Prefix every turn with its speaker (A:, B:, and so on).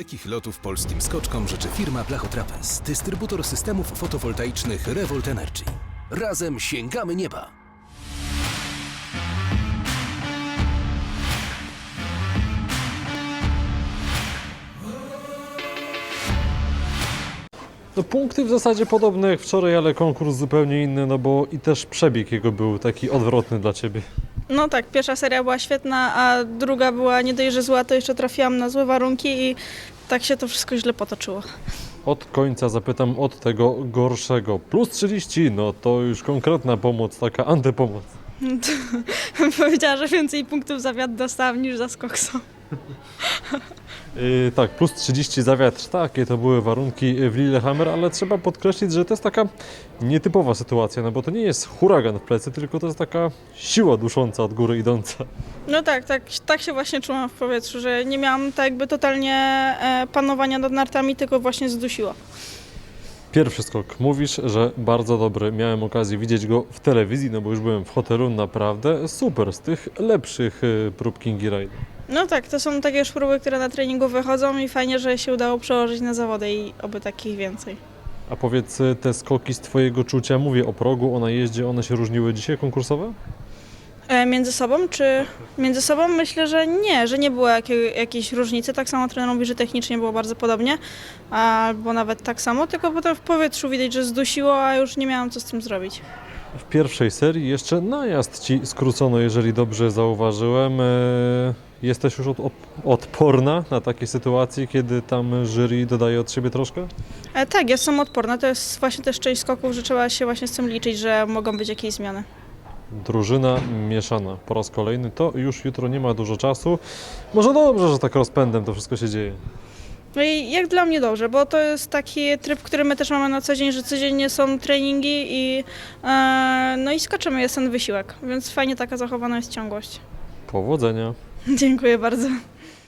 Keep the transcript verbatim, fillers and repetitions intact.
A: Dalekich lotów polskim skoczkom życzy firma Blachotrapez, dystrybutor systemów fotowoltaicznych Revolt Energy. Razem sięgamy nieba!
B: No, punkty w zasadzie podobne jak wczoraj, ale konkurs zupełnie inny, no bo i też przebieg jego był taki odwrotny dla Ciebie.
C: No tak, pierwsza seria była świetna, a druga była nie dość, że zła, to jeszcze trafiłam na złe warunki i tak się to wszystko źle potoczyło.
B: Od końca zapytam od tego gorszego. Plus trzydzieści, no to już konkretna pomoc, taka antypomoc.
C: Powiedziała, że więcej punktów za wiatr dostałam niż za skoksą.
B: Yy, tak, plus trzydzieści za wiatr, takie to były warunki w Lillehammer, ale trzeba podkreślić, że to jest taka nietypowa sytuacja, no bo to nie jest huragan w plecy, tylko to jest taka siła dusząca od góry idąca.
C: No tak, tak, tak się właśnie czułam w powietrzu, że nie miałam tak jakby totalnie e, panowania nad nartami, tylko właśnie zdusiła.
B: Pierwszy skok. Mówisz, że bardzo dobry. Miałem okazję widzieć go w telewizji, no bo już byłem w hotelu, naprawdę super, z tych lepszych yy, prób Kingi Ride.
C: No tak, to są takie już próby, które na treningu wychodzą i fajnie, że się udało przełożyć na zawody i oby takich więcej.
B: A powiedz, te skoki z Twojego czucia, mówię o progu, o najeździe, one się różniły dzisiaj konkursowe?
C: E, między sobą, czy między sobą myślę, że nie, że nie było jakiej, jakiejś różnicy. Tak samo trener mówi, że technicznie było bardzo podobnie, albo nawet tak samo, tylko potem w powietrzu widać, że zdusiło, a już nie miałam co z tym zrobić.
B: W pierwszej serii jeszcze najazd Ci skrócono, jeżeli dobrze zauważyłem. Eee, Jesteś już od, od, odporna na takie sytuacje, kiedy tam jury dodaje od siebie troszkę?
C: E, tak, jestem odporna, to jest właśnie też część skoków, że trzeba się właśnie z tym liczyć, że mogą być jakieś zmiany.
B: Drużyna mieszana po raz kolejny, to już jutro nie ma dużo czasu. Może dobrze, że tak rozpędem to wszystko się dzieje.
C: No i jak dla mnie dobrze, bo to jest taki tryb, który my też mamy na co dzień, że codziennie są treningi i, e, no i skaczemy, jest ten wysiłek, więc fajnie taka zachowana jest ciągłość.
B: Powodzenia!
C: Dziękuję bardzo.